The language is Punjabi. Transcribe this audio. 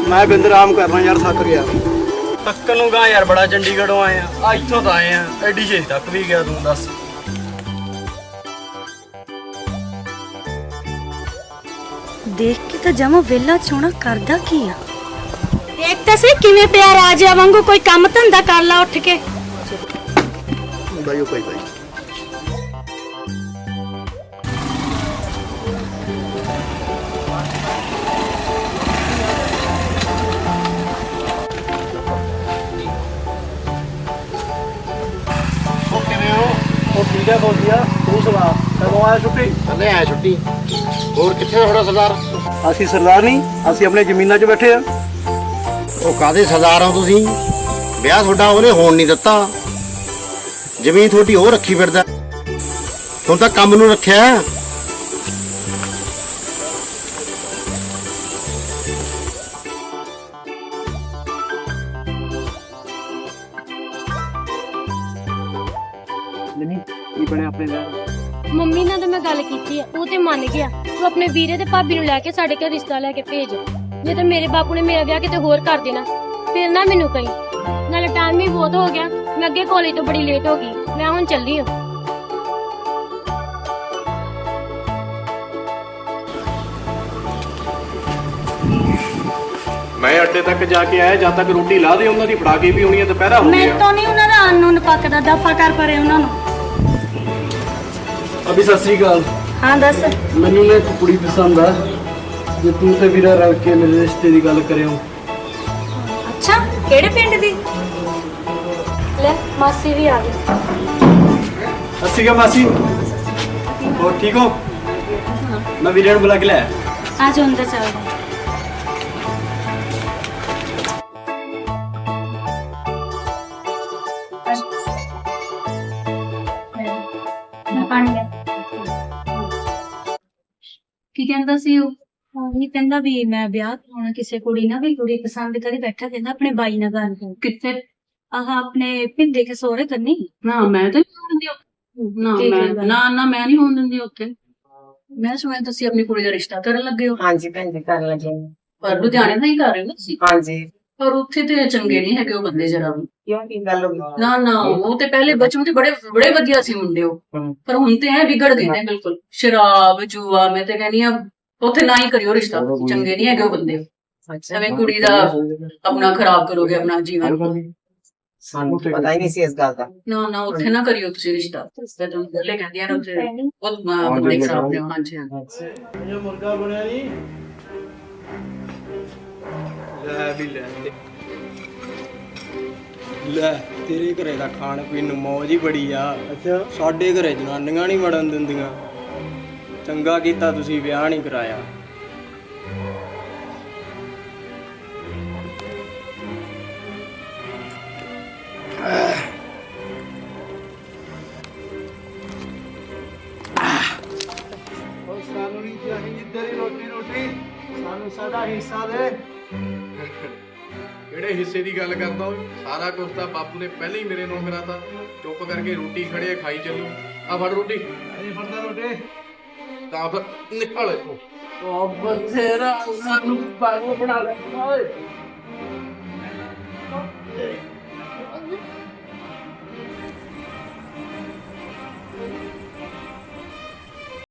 मैं बिंद आराम करना यार, थक गया। तक्कन ਨੂੰ ਗਾ ਯਾਰ, ਬੜਾ ਚੰਡੀਗੜ੍ਹੋਂ ਆਏ ਆ ਇੱਥੋਂ ਤਾਂ ਆਏ ਆ, ਐਡੀ ਛੇਤੀ ਤੱਕ ਵੀ ਗਿਆ ਤੂੰ ਦੱਸ। देख के तो जमा वेला छोना करदा की आ। देख तो सही किवें पिया राजा वांगू, कोई काम धंधा कर ला उठ के। भाई भाई ਠੀਕ ਹੈ ਬੋਲਿਆ, ਤੂੰ ਸੁਣਾ ਕਦੋਂ ਆਇਆ ਛੁੱਟੀ? ਕੱਲੇ ਆਇਆ ਛੁੱਟੀ। ਹੋਰ ਕਿੱਥੇ ਥੋੜਾ ਸਰਦਾਰ? ਅਸੀਂ ਸਰਦਾਰ ਨਹੀਂ, ਅਸੀਂ ਆਪਣੇ ਜ਼ਮੀਨਾਂ 'ਚ ਬੈਠੇ ਆ। ਉਹ ਕਾਦੇ ਸਰਦਾਰ ਹੋ ਤੁਸੀਂ? ਵਿਆਹ ਤੁਹਾਡਾ ਉਹਨੇ ਹੋਣ ਨਹੀਂ ਦਿੱਤਾ, ਜ਼ਮੀਨ ਤੁਹਾਡੀ ਉਹ ਰੱਖੀ ਫਿਰਦਾ। ਹੁਣ ਤਾਂ ਕੰਮ ਨੂੰ ਰੱਖਿਆ। ਕੀ ਬਣਿਆ ਆਪਣੇ ਵਿਆਹ? ਮੰਮੀ ਨਾਲ ਤਾਂ ਮੈਂ ਗੱਲ ਕੀਤੀ ਆ, ਉਹ ਤੇ ਮੰਨ ਗਿਆ। ਤੂੰ ਆਪਣੇ ਵੀਰੇ ਤੇ ਭਾਬੀ ਨੂੰ ਲੈ ਕੇ ਸਾਡੇ ਘਰ ਰਿਸ਼ਤਾ ਲੈ ਕੇ ਭੇਜ। ਜੇ ਤਾਂ ਮੇਰੇ ਬਾਪੂ ਨੇ ਮੇਰਾ ਵਿਆਹ ਕਿਤੇ ਹੋਰ ਕਰ ਦੇਣਾ ਫਿਰ ਨਾ ਮੈਨੂੰ ਕਹੀਂ। ਨਾਲੇ ਟਾਈਮ ਵੀ ਬਹੁਤ ਹੋ ਗਿਆ, ਮੈਂ ਅੱਗੇ ਕਾਲਜ ਤੋਂ ਬੜੀ ਲੇਟ ਹੋ ਗਈ। ਮੈਂ ਹੁਣ ਚੱਲੀ ਹਾਂ। ਮੈਂ ਅੱਡੇ ਤੱਕ ਜਾ ਕੇ ਆਇਆ, ਜਦ ਤੱਕ ਰੋਟੀ ਲਾ ਦੇ ਉਹਨਾਂ ਦੀ ਫੜਾ ਕੇ ਵੀ ਆਉਣੀ ਹੈ, ਦੁਪਹਿਰਾ ਹੋ मैं ਗਿਆ। तो नहीं उन्होंने अनून पकदा दफा कर परे उन्होंने। ਅਭੀ ਸਤਿ ਸ੍ਰੀ ਅਕਾਲ। हाँ दस। ਮੈਨੂੰ ਨਾ ਇੱਕ ਕੁੜੀ ਪਸੰਦ ਆ, ਜੇ ਤੂੰ ਤੇ ਵੀਰਾ ਰਲ ਕੇ ਮੇਰੇ ਰਿਸ਼ਤੇ ਦੀ ਗੱਲ ਕਰਿਓ। अच्छा केड़े पिंड दी? ਲੈ ਮਾਸੀ ਵੀ ਆ ਗਈ। ਸਤਿ ਸ੍ਰੀ ਅਕਾਲ ਮਾਸੀ, ਹੋਰ ਠੀਕ ਹੋ? ਮੈਂ ਵੀਰੇ ਨੂੰ ਬੁਲਾ ਕੇ ਲਿਆ। आज अंदर चल रहे। ਕੀ ਕਹਿੰਦਾ ਸੀ ਉਹ? ਨਹੀਂ ਕਹਿੰਦਾ ਵੀ ਮੈਂ ਵਿਆਹ ਕਰਾਉਣਾ ਕਿਸੇ ਕੁੜੀ ਨਾਲ, ਵੀ ਕੁੜੀ ਪਸੰਦ ਕਰੀ ਬੈਠਾ। ਕਹਿੰਦਾ ਆਪਣੇ ਬਾਈ ਨਾਲ ਗੱਲ ਕਰ। ਕਿੱਥੇ? ਆਹ ਆਪਣੇ ਭਿੰਦੇ ਕੇ ਸੋਹਰੇ ਕਰਨੀ। ਨਾ ਮੈਂ ਤਾਂ ਨਹੀਂ ਹੋਣ ਦਿੰਦੀ ਉੱਥੇ। ਨਾ ਮੈਂ ਨਹੀਂ ਹੋਣ ਦਿੰਦੀ ਉੱਥੇ। ਮੈਂ ਸੁਣਿਆ ਤੁਸੀਂ ਆਪਣੀ ਕੁੜੀ ਦਾ ਰਿਸ਼ਤਾ ਕਰਨ ਲੱਗੇ ਹੋ। ਹਾਂਜੀ ਭੈਣ ਜੀ ਕਰਨ ਲੱਗੇ ਹਾਂ। ਪਰ ਲੁਧਿਆਣੇ ਦਾ ਹੀ ਕਰ ਰਹੇ ਹੋ ਤੁਸੀਂ। ਹਾਂਜੀ। ਪਰ ਉੱਥੇ ਤੇ ਚੰਗੇ ਨਹੀਂ ਹੈਗੇ ਉਹ ਬੰਦੇ ਜਰਾ ਵੀ। ਕਿਉਂ ਕੀ ਗੱਲ ਹੋ ਗਈ? ਨਾ ਉਹ ਤੇ ਪਹਿਲੇ ਬਚਪਨ ਤੇ ਬੜੇ ਵਧੀਆ ਸੀ ਮੁੰਡੇ ਉਹ, ਪਰ ਹੁਣ ਤੇ ਐ ਵਿਗੜ ਗਏ ਨੇ ਬਿਲਕੁਲ। ਸ਼ਰਾਬ ਜੂਆ, ਮੈਂ ਤੇ ਕਹਿੰਦੀ ਆ ਉੱਥੇ ਨਾ ਹੀ ਕਰਿਓ ਰਿਸ਼ਤਾ, ਚੰਗੇ ਨਹੀਂ ਹੈਗੇ ਉਹ ਬੰਦੇ। ਐਵੇਂ ਕੁੜੀ ਦਾ ਆਪਣਾ ਖਰਾਬ ਕਰੋਗੇ ਆਪਣਾ ਜੀਵਨ। ਸਾਨੂੰ ਪਤਾ ਹੀ ਨਹੀਂ ਸੀ ਇਸ ਗੱਲ ਦਾ। ਨਾ ਉੱਥੇ ਨਾ ਕਰਿਓ ਤੁਸੀਂ ਰਿਸ਼ਤਾ। ਤੇ ਤੁਹਾਨੂੰ ਪਹਿਲੇ ਕਹਿੰਦੀਆਂ ਨੇ ਉੱਥੇ ਬਹੁਤ ਬੰਦੇ ਖਰਾਬ ਨੇ। ਹਾਂਜੀ ਇਹ ਮੁਰਗਾ ਬਣਿਆ ਨਹੀਂ ਲੈ ਵੀ ਲੈ ਤੇਰੇ ਘਰੇ ਦਾ ਖਾਣ ਪੀਣ ਨੂੰ ਮੌਜ ਹੀ ਬੜੀ ਆ। ਅੱਛਾ, ਸਾਡੇ ਘਰੇ ਜਨਾਨੀਆਂ ਨਹੀਂ ਵੜਨ ਦਿੰਦੀਆਂ। ਚੰਗਾ ਕੀਤਾ ਤੁਸੀਂ ਵਿਆਹ ਨਹੀਂ ਕਰਾਇਆ। ਸਾਨੂੰ ਨਹੀਂ ਚਾਹੀਦੀ ਤੇਰੀ ਰੋਟੀ, ਸਾਨੂੰ ਸਾਡਾ ਹਿੱਸਾ ਦੇ। ਕਿਹੜੇ ਹਿੱਸੇ ਦੀ ਗੱਲ ਕਰਦਾ ਓਏ? ਸਾਰਾ ਕੁਝ ਤਾਂ ਬਾਪੂ ਨੇ ਪਹਿਲਾਂ ਹੀ ਮੇਰੇ ਨੂੰ ਕਰਾਤਾ। ਚੁੱਪ ਕਰਕੇ ਰੋਟੀ ਖੜੇ ਖਾਈ ਚੱਲੂ। ਆ ਫੜ ਰੋਟੀ। ਅਰੇ ਫੜਦਾ ਰੋਟੀ। ਤਾਂ ਫਿਰ ਨਿਕਲ ਇੱਥੋਂ। ਉਹ ਬਥੇਰਾ ਸਾਨੂੰ ਪਾਗਲ ਬਣਾ ਲਿਆ ਓਏ।